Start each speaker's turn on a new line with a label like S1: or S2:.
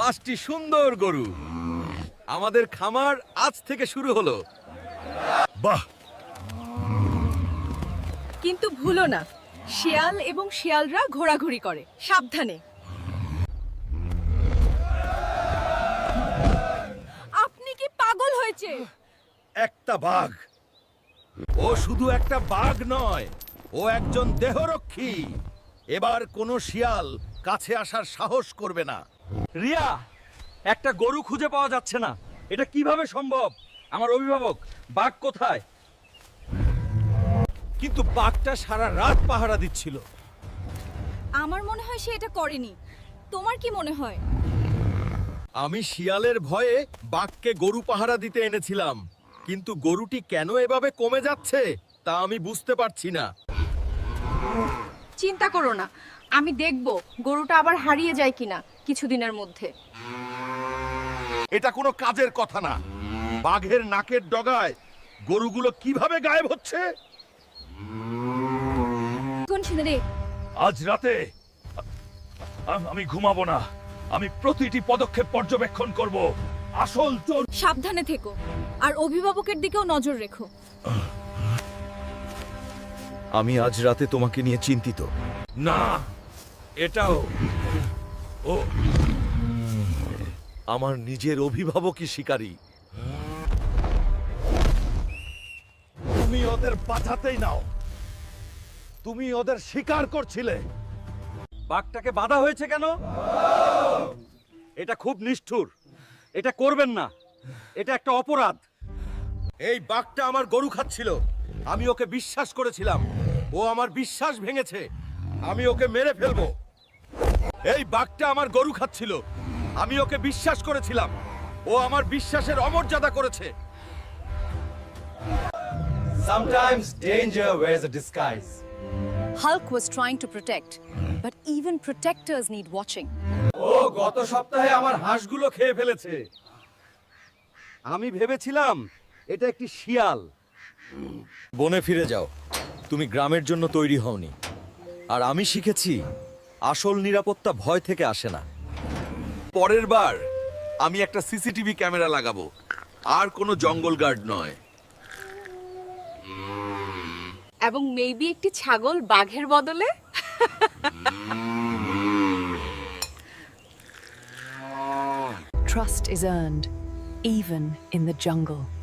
S1: 5টি সুন্দর গরু। আমাদের খামার আজ থেকে শুরু হলো।
S2: বাহ,
S3: কিন্তু ভুলো না, শিয়াল এবং শিয়ালরা ঘোরাঘুরি করে, সাবধানে। আপনি কি পাগল হয়েছে?
S1: একটা বাঘ। ও শুধু একটা বাঘ নয়, ও একজন দেহরক্ষী। এবার কোনো শিয়াল কাছে আসার সাহস করবে না। রিয়া, একটা গরু খুঁজে পাওয়া যাচ্ছে না। এটা কিভাবে সম্ভব? আমার অভিভাবক, বাঘ কোথায়? কিন্তু বাঘটা সারা রাত পাহারা দিচ্ছিল।
S3: আমার মনে হয় সে এটা করেনি। তোমার কি মনে হয়?
S1: আমি শিয়ালের ভয়ে বাঘকে গরু পাহারা দিতে এনেছিলাম, কিন্তু গরুটি কেন এভাবে কমে যাচ্ছে তা আমি বুঝতে পারছি না।
S3: চিন্তা করো না, আমি দেখব গরুটা আবার হারিয়ে যায় কিনা কিছুদিনের মধ্যে।
S1: এটা কোনো কাজের কথা না। বাঘের নাকের ডগায় গরুগুলো কিভাবে গায়েব হচ্ছে?
S3: রে,
S2: আজ রাতে আমি ঘুমাবো না। আমি প্রতিটি পদক্ষেপ পর্যবেক্ষণ করব। আসল চোর।
S3: সাবধানে থেকো, আর অভিভাবকের দিকেও নজর রেখো।
S1: আমি আজ রাতে তোমাকে নিয়ে চিন্তিত।
S2: না, এটাও ও
S1: আমার নিজের অভিভাবকই শিকারী। তুমি ওদের বাঁচাতেই নাও। তুমি ওদের শিকার করছিলে। বাঘটাকে বাধা হয়েছে কেন? এটা খুব নিষ্ঠুর। এটা করবেন না। এটা একটা অপরাধ। এই বাঘটা আমার গরু খাচ্ছিল। আমি ওকে বিশ্বাস করেছিলাম। ও আমার বিশ্বাস ভেঙেছে। আমি ওকে মেরে ফেলবো। এই বাঘটা আমার গরু খাচ্ছিল। আমি ওকে বিশ্বাস করেছিলাম। ও আমার বিশ্বাসের অমর্যাদা করেছে।
S4: Sometimes danger wears a disguise.
S5: Hulk was trying to protect, but even protectors need watching.
S1: ও গত সপ্তাহে আমার হাঁসগুলো খেয়ে ফেলেছে। আমি ভেবেছিলাম এটা একটি শিয়াল। বনে ফিরে যাও। তুমি গ্রামের জন্য তৈরি হওনি। আর আমি শিখেছি আসল নিরাপত্তা ভয় থেকে আসে না। পরের বার আমি একটা সিসিটিভি ক্যামেরা লাগাবো, আর কোনো জঙ্গল গার্ড নয়।
S3: এবং মেবি একটি ছাগল বাঘের বদলে।
S5: Trust is earned, even in the jungle.